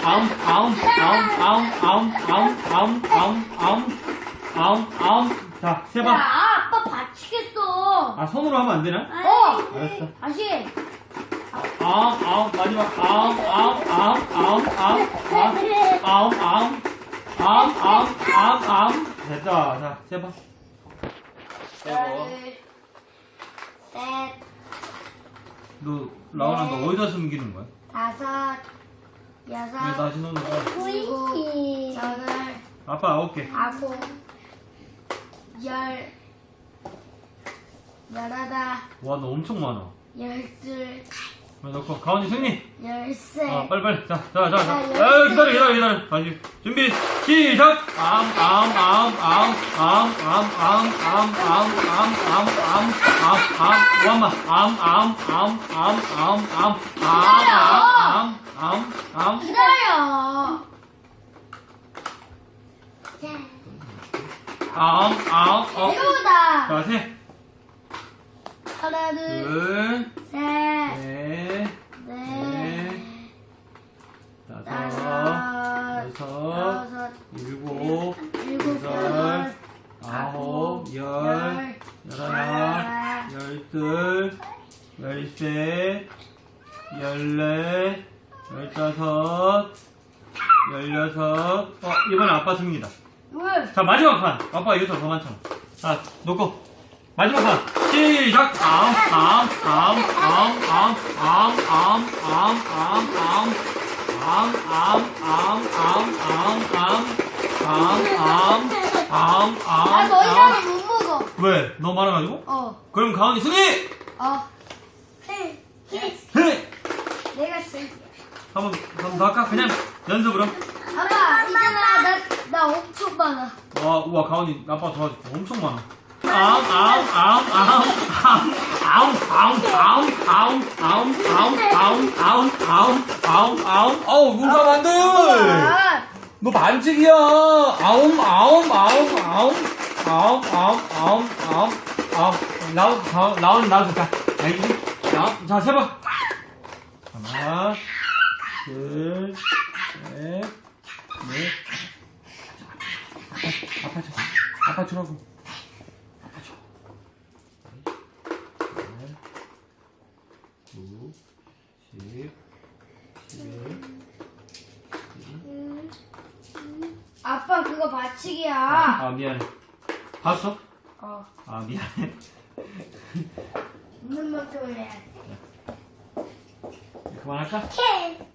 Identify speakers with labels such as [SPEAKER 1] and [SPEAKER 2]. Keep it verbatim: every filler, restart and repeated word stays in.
[SPEAKER 1] 아웅, 아웅, 아웅, 아웅, 아웅, 아웅, 아웅, 아웅, 아웅, 아웅. 자, 세
[SPEAKER 2] 야,
[SPEAKER 1] 번.
[SPEAKER 2] 아빠 다치겠어.
[SPEAKER 1] 아, 손으로 하면 안 되나?
[SPEAKER 2] 어.
[SPEAKER 1] 알았어.
[SPEAKER 2] 다시.
[SPEAKER 1] 아웅, 아웅, 마지막. 아웅, 아웅, 아웅, 아웅, 아웅, 아웅, 아웅, 아웅, 아웅, 아웅, 아웅, 아웅. 됐다. 자, 세 번. 세 번.
[SPEAKER 2] 둘, 셋,
[SPEAKER 1] 너, 라온아, 너 어디다 숨기는 거야?
[SPEAKER 2] 다섯,
[SPEAKER 1] 왜
[SPEAKER 2] 여섯,
[SPEAKER 1] 다시 놓는 거야?
[SPEAKER 2] 일곱, 여덟,
[SPEAKER 1] 아빠 아홉 개.
[SPEAKER 2] 아홉, 열, 열하나,
[SPEAKER 1] 와, 너 엄청 많아.
[SPEAKER 2] 열둘,
[SPEAKER 1] 넣고, 가온이 승리!
[SPEAKER 2] 열셋.
[SPEAKER 1] 아, 빨리빨리. 자, 자, 자, 자.
[SPEAKER 2] 아,
[SPEAKER 1] 아,
[SPEAKER 2] 열쇠.
[SPEAKER 1] 기다려, 기다려, 기다려. 다시. 준비, 시작! 암, 암, 암, 암, 암, 암, 암, 암, 암, 암, 암, 암, 암, 암, 원마. 암, 암, 암, 암, 암, 암, 암, 암, 암, 암.
[SPEAKER 2] 기다려.
[SPEAKER 1] 암, 암, 어.
[SPEAKER 2] 배우다.
[SPEAKER 1] 자, 셋,
[SPEAKER 2] 하나, 둘,
[SPEAKER 1] 둘,
[SPEAKER 2] 셋,
[SPEAKER 1] 넷,
[SPEAKER 2] 넷,
[SPEAKER 1] 넷, 다섯,
[SPEAKER 2] 다섯,
[SPEAKER 1] 여섯,
[SPEAKER 2] 여섯,
[SPEAKER 1] 일곱,
[SPEAKER 2] 일곱,
[SPEAKER 1] 여덟,
[SPEAKER 2] 여덟,
[SPEAKER 1] 아홉, 열,
[SPEAKER 2] 열,
[SPEAKER 1] 열하나, 열둘, 열셋, 열넷, 열다섯, 열여섯. 어, 이번에 아빠 승리다.
[SPEAKER 2] 물.
[SPEAKER 1] 자, 마지막 판. 아빠 이것도 더 많잖아. 자, 놓고. 마지막 판. 시작! 암, 암, 암, 암, 암, 암, 암, 암, 암, 암, 암, 암, 암, 암, 암, 암, 암, 암,
[SPEAKER 2] 아,
[SPEAKER 1] 암,
[SPEAKER 2] 더
[SPEAKER 1] 암.
[SPEAKER 2] 이상은 못 먹어.
[SPEAKER 1] 왜? 너무 많아가지고?
[SPEAKER 2] 어.
[SPEAKER 1] 그럼 가은이 승리!
[SPEAKER 2] 어. 해. 해.
[SPEAKER 1] 해!
[SPEAKER 2] 내가 쓸게.
[SPEAKER 1] 한번, 한번 더 할까? 그냥 연습으로.
[SPEAKER 2] 아빠, 있잖아. 나, 나 엄청 많아.
[SPEAKER 1] 와, 우와, 가은이 아빠 도와줄게. 엄청 많아. 아웅, 아웅, 아웅, 아웅, 아웅, 아웅, 아웅, 아웅, 아웅, 아웅, 아웅, 아웅, 아웅, 아웅. 어우, 물가면 안 돼!
[SPEAKER 2] 아,
[SPEAKER 1] 너 반칙이야! 아웅, 아웅, 아웅, 아웅, 아웅, 아웅, 아웅, 아웅, 아웅. 나온, 나온, 나온, 나온, 자, 알겠지? 자, 자, 세 번. 하나, 둘, 셋, 넷. 아빠, 아빠 줘. 아빠 주라고. 아빠 줘. 넷, 구, 십, 십일.
[SPEAKER 2] 아빠 그거 반칙이야.
[SPEAKER 1] 아, 미안해. 봤어?
[SPEAKER 2] 어.
[SPEAKER 1] 아, 미안해.
[SPEAKER 2] 있는 만큼 해.
[SPEAKER 1] 그만할까?
[SPEAKER 2] 오케이.